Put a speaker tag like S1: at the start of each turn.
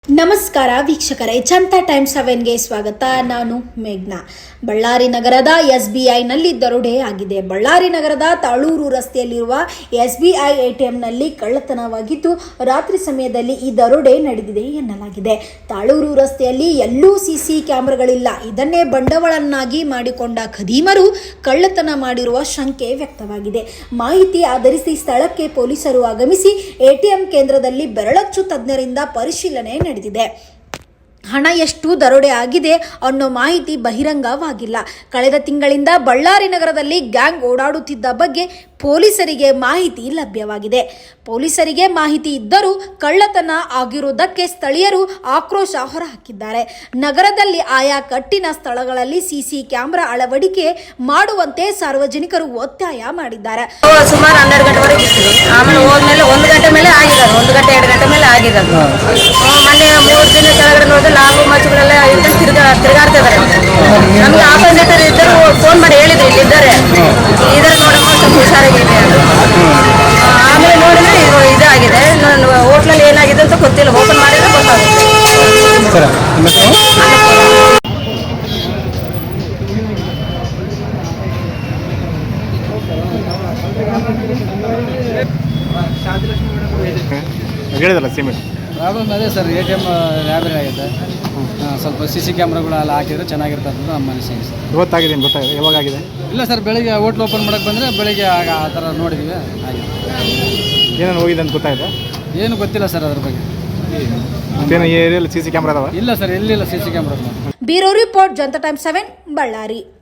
S1: ನಮಸ್ಕಾರ ವೀಕ್ಷಕರೇ, ಜನತಾ ಟೈಮ್ಸ್ 7ಗೆ ಸ್ವಾಗತ. ನಾನು ಮೇಘ್ನಾ. ಬಳ್ಳಾರಿ ನಗರದ SBIನಲ್ಲಿ ದರೋಡೆ ಆಗಿದೆ. ಬಳ್ಳಾರಿ ನಗರದ ತಾಳೂರು ರಸ್ತೆಯಲ್ಲಿರುವ SBI ATMನಲ್ಲಿ ಕಳ್ಳತನವಾಗಿದ್ದು ರಾತ್ರಿ ಸಮಯದಲ್ಲಿ ಈ ದರೋಡೆ ನಡೆದಿದೆ ಎನ್ನಲಾಗಿದೆ. ತಾಳೂರು ರಸ್ತೆಯಲ್ಲಿ ಎಲ್ಲೂ CC ಕ್ಯಾಮೆರಾಗಳಿಲ್ಲ. ಇದನ್ನೇ ಬಂಡವಾಳನ್ನಾಗಿ ಮಾಡಿಕೊಂಡ ಖದೀಮರು ಕಳ್ಳತನ ಮಾಡಿರುವ ಶಂಕೆ ವ್ಯಕ್ತವಾಗಿದೆ. ಮಾಹಿತಿ ಆಧರಿಸಿ ಸ್ಥಳಕ್ಕೆ ಪೊಲೀಸರು ಆಗಮಿಸಿ ATM ಕೇಂದ್ರದಲ್ಲಿ ಬೆರಳಚ್ಚು ತಜ್ಞರಿಂದ ಪರಿಶೀಲನೆ ನಡೆದಿದೆ. ಹಣ ಎಷ್ಟು ದರೋಡೆ ಆಗಿದೆ ಅನ್ನೋ ಮಾಹಿತಿ ಬಹಿರಂಗವಾಗಿಲ್ಲ. ಕಳೆದ ತಿಂಗಳಿಂದ ಬಳ್ಳಾರಿ ನಗರದಲ್ಲಿ ಗ್ಯಾಂಗ್ ಓಡಾಡುತ್ತಿದ್ದ ಬಗ್ಗೆ ಪೊಲೀಸರಿಗೆ ಮಾಹಿತಿ ಲಭ್ಯವಾಗಿದೆ. ಪೊಲೀಸರಿಗೆ ಮಾಹಿತಿ ಇದ್ದರೂ ಕಳ್ಳತನ ಆಗಿರುವುದಕ್ಕೆ ಸ್ಥಳೀಯರು ಆಕ್ರೋಶ ಹೊರಹಾಕಿದ್ದಾರೆ. ನಗರದಲ್ಲಿ ಆಯಾ ಕಟ್ಟಿನ ಸ್ಥಳಗಳಲ್ಲಿ CC ಕ್ಯಾಮೆರಾ ಅಳವಡಿಕೆ ಮಾಡುವಂತೆ ಸಾರ್ವಜನಿಕರು ಒತ್ತಾಯ ಮಾಡಿದ್ದಾರೆ.
S2: ಸುಮಾರು 12 ಗಂಟೆವರೆಗೆ ಇರ್ತೀವಿ. ಆಮೇಲೆ ಹೋದ್ಮೇಲೆ 1 ಗಂಟೆ ಮೇಲೆ ಆಗಿರೋದು, 1 ಗಂಟೆ 2 ಗಂಟೆ ಮೇಲೆ ಆಗಿರೋದು. ಮೊನ್ನೆ 3 ದಿನ ಕೆಳಗಡೆ ನೋಡಿದ್ರೆ ಲಾಗು ಮಚ್ಚುಗಳೆಲ್ಲ ತಿರುಗಾಡ್ತಾ ಇದ್ದಾರೆ. ನಮ್ಗೆ ಆಪೋಸಿಟ್ ಇದ್ದರು ಫೋನ್ ಮಾಡಿ ಹೇಳಿದ್ರು ಇಲ್ಲಿದ್ದಾರೆ ನೋಡಮ್ಮ ಸ್ವಲ್ಪ ಹುಷಾರಾಗಿದೆ ಅಂತ. ಆಮೇಲೆ ನೋಡಿದ್ರೆ ಇದಾಗಿದೆ. ಹೋಟ್ಲಲ್ಲಿ ಏನಾಗಿದೆ ಅಂತ ಗೊತ್ತಿಲ್ಲ, ಓಪನ್ ಮಾಡಿದ್ರೆ ಗೊತ್ತಾಗುತ್ತೆ.
S3: ಹೇಳಿದಲ್ಲ ಸಿಮೆಂಟ್
S4: ಪ್ರಾಬ್ಲಮ್ ಅದೇ ಸರ್, ATM ರ್ಯಾಬರಿ ಆಗಿದೆ. ಸ್ವಲ್ಪ CC ಕ್ಯಾಮ್ರಾಗಳೆಲ್ಲ ಹಾಕಿದ್ರೆ ಚೆನ್ನಾಗಿರ್ತದೆ ಅಂತ ನಮ್ಮ ಅನಿಸಿಕೆ ಸರ್.
S3: ಇವತ್ತಾಗಿದೆ, ಗೊತ್ತಾಗಿದೆ. ಯಾವಾಗ ಆಗಿದೆ?
S4: ಇಲ್ಲ ಸರ್, ಬೆಳಿಗ್ಗೆ ಹೋಟ್ಲ್ ಓಪನ್ ಮಾಡೋಕ್ಕೆ ಬಂದರೆ ಬೆಳಿಗ್ಗೆ ಆ ಥರ ನೋಡಿದ್ದೀವಿ. ಆಗಿದೆ.
S3: ಏನೇನು ಹೋಗಿದೆ ಅಂತ ಗೊತ್ತಾಗಿದೆ?
S4: ಏನು ಗೊತ್ತಿಲ್ಲ ಸರ್ ಅದ್ರ ಬಗ್ಗೆ.
S3: ಮತ್ತೇನು ಏರಿಯಲ್ಲಿ CC ಕ್ಯಾಮ್ರಾ ಅದಾವ?
S4: ಇಲ್ಲ ಸರ್, ಎಲ್ಲಿಲ್ಲ CC camera.
S1: Bureau report, Janata Times 7 Ballari.